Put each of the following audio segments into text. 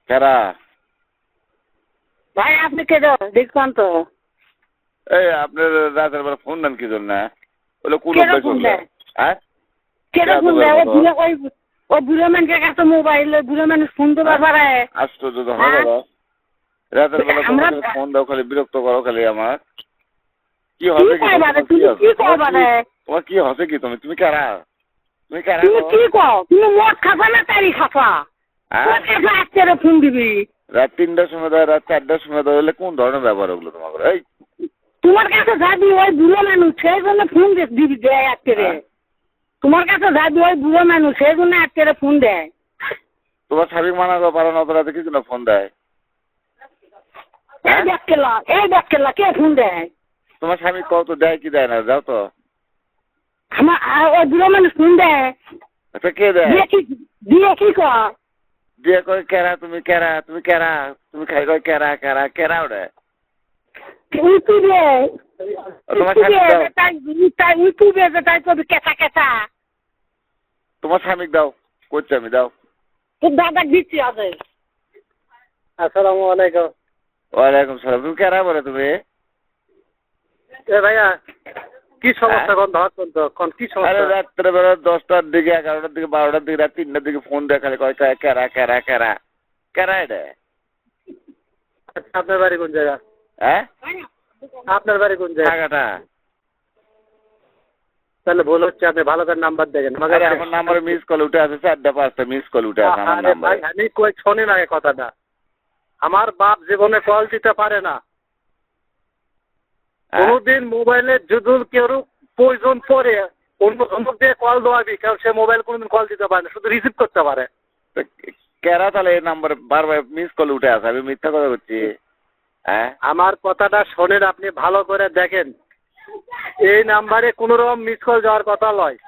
কারা? ভাই আপনি কে দেখুন তো। এই আপনার রাতের বেলা ফোন দেন কি জন্য? ওগুলো কোন কেডা অভ্যাস ফোন করলে? দেয়? হ্যাঁ? কেডা ফোন দেয়? ওই বুড়ো মানুষের কাছে মোবাইল, ওই বুড়ো মানুষ ফোন তো পারে। আশ্চর্য তো হয় দাদা। রাতের বেলা আমরা তোমার ফোন দাও, খালি বিরক্ত করো খালি আমার। কি কি হচ্ছে কি? কইবারে তোমার কি তুমি? হচ্ছে? কি কইবারে? তোমার কি হচ্ছে কি? তুমি কারা? তুমি কারা তুমি গো? কি কও? তুমি মদ খাবা না তারি খাবা? হ্যাঁ? কোন কাছে আজকে ফোন দিবি? রাত 3টার সময় দেয়, রাত 4টার সময় দেয়, হলে কোন ধরনের ব্যাপার ওগুলো তোমার? এই তোমার কাছে যাবি ওই বুড়ো মানুষ, সেই জন্য ফোন দিবি দেয় আজকে রে। হ্যাঁ? তোমার কাছে যাবি ওই বুড়ো মানুষ, সেই জন্য আজকে ফোন দেয়। তোমার স্বামী মানা করো, পারো না, অত রাতে কি জন্য ফোন দেয়? এই দেখকেলা কে ফোন দেয়? তোমার স্বামী কত দেয় কি দেয় না, যাও তো। আমার ওই বুড়ো মানুষ ফোন দেয়। আচ্ছা কে দেয়? দিয়ে কি কর? দিয়ে কয় কেরা, তুমি কেরা, তুমি কেরা, তুমি খাই কয় কেরা কেরা কেরা ওটা। ইউটিউবে তোমার স্বামী দাও, ইউটিউবে তাই কবি কেঁচা কেঁচা। তোমার স্বামী দাও, করছি আমি, দাও। তোর দাদা দিচ্ছি আছে। আসসালামু আলাইকুম। ওয়ালাইকুম সালাম। তুমি কেরা বলে তুমি? এ ভাইয়া কি সমস্যা কোন ধরছেন তো? কোন কি আরে সমস্যা? রাত্রে বেলা 10টার দিকে, 11টার দিকে, 12টার দিকে, রাত 3টার দিকে ফোন দেয়, খালি কয় কেরা কেরা কেরা কেরা এটা। আপনার বাড়ি কোন জায়গা? হ্যাঁ? আপনার বাড়ি কোন জায়গা? টাকাটা তাহলে ভুল হচ্ছে, আপনি ভালো করে নাম্বার দেখেন। আরে আমার নাম্বারে মিস কল উঠে আছে, 4টা 5টা মিস কল উঠে আছে আমার আরে ভাই নাম্বারে। আমি কই শোনেন আগে কথাটা। আমার বাপ জীবনে কল দিতে পারে না। কোনদিন মোবাইলে যদি কেউ প্রয়োজন পড়ে অন্য অন্য দিয়ে কল দেওয়াবি, কারণ সে মোবাইল কোনোদিন কল দিতে পারে না, শুধু রিসিভ করতে পারে। কেরা তাহলে এই নাম্বারে বারবার মিস কল উঠে আছে, আমি মিথ্যা কথা বলছি? হ্যাঁ? আমার কথাটা শোনেন, আপনি ভালো করে দেখেন। এই নাম্বারে কোন রকম মিস কল যাওয়ার কথা নয়।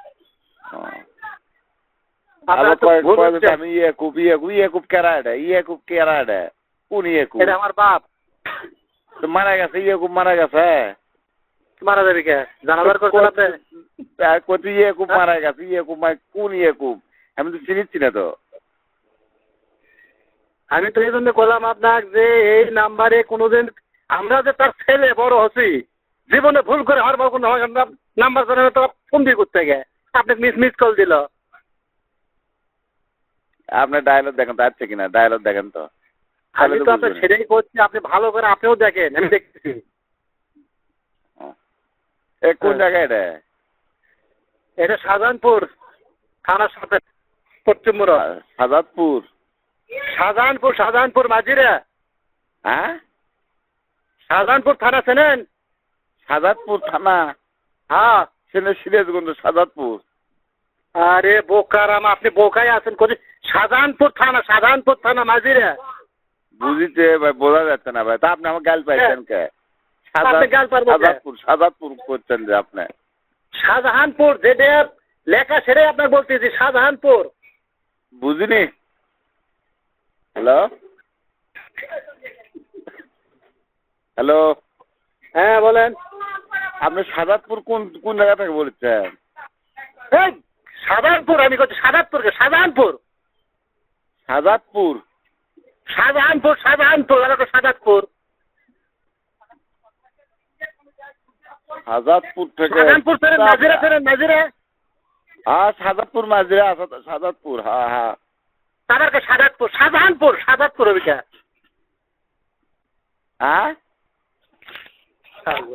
আলো কয় আমি ইয়েকুব কেরা এটা, ইয়েকুব কেরা এটা, কোন ইয়েকুব? এটা আমার বাপ। তো মারা গেছে, ইয়েকুব মারা গেছে। মারা যাবে কে? জানাজার করছেন আপনি? কত ইয়েকুব মারা গেছে, ইয়েকুব কোন ইয়েকুব? আমি তো চিনিচ্ছি না তো। আমি তো এই জন্য বললাম আপনার যে এই নাম্বারে কোনোদিন আমরা যে তার ছেলে বড় হচ্ছি, জীবনে ভুল করে হওয়ার কোনো নাম্বার জানানো তো ফোন দিয়ে করতে গে আপনি মিস কল দিল। আপনার ডায়লগ দেখেন তো আছে কিনা, ডায়লগ দেখেন তো। আমি তো আপনার সেটাই করছি, আপনি ভালো করে আপনিও দেখেন, আমি দেখতেছি। কোন জায়গায় এটা? এটা শাহজাহানপুর থানার সাথে পশ্চিম মোড়। সাজাদপুর? শাহজাহানপুর মাঝিরা। হ্যাঁ? শাহজাহানপুর থানা চেনেন? সাজাদপুর থানা? হ্যাঁ। সেটা সিরাজগঞ্জ, সাজাদপুর। আরে বোকারাম, আপনি বোকাই আছেন কোথায়? শাহজাহানপুর থানা মাঝিরা। বুঝিতে ভাই, বোঝা যাচ্ছে না ভাই। তা আপনি আমার গাল পাইছেন কে? সাজাদপুর করছেন যে আপনি? শাহজাহানপুর যেটা লেখা সেটাই আপনার বলতেছি, শাহজাহানপুর। বুঝিনি। হ্যালো হ্যালো, হ্যাঁ বলেন। আপনি সাজাদপুর কোন কোন জায়গা থেকে বলছেন? এই শাহজাহানপুর, আমি বলছি শাহজাদপুরকে। শাহজাহানপুর সাজাদপুর এলাকা শাহজাদপুর। সাজাদপুর থেকে? শাহজাহানপুর নাজিরা। হ্যাঁ সাজাদপুর মাঝিরা, সাজাদপুর, হ্যাঁ হ্যাঁ। তাদেরকে শাহজাহানপুর ওইটা। হ্যাঁ?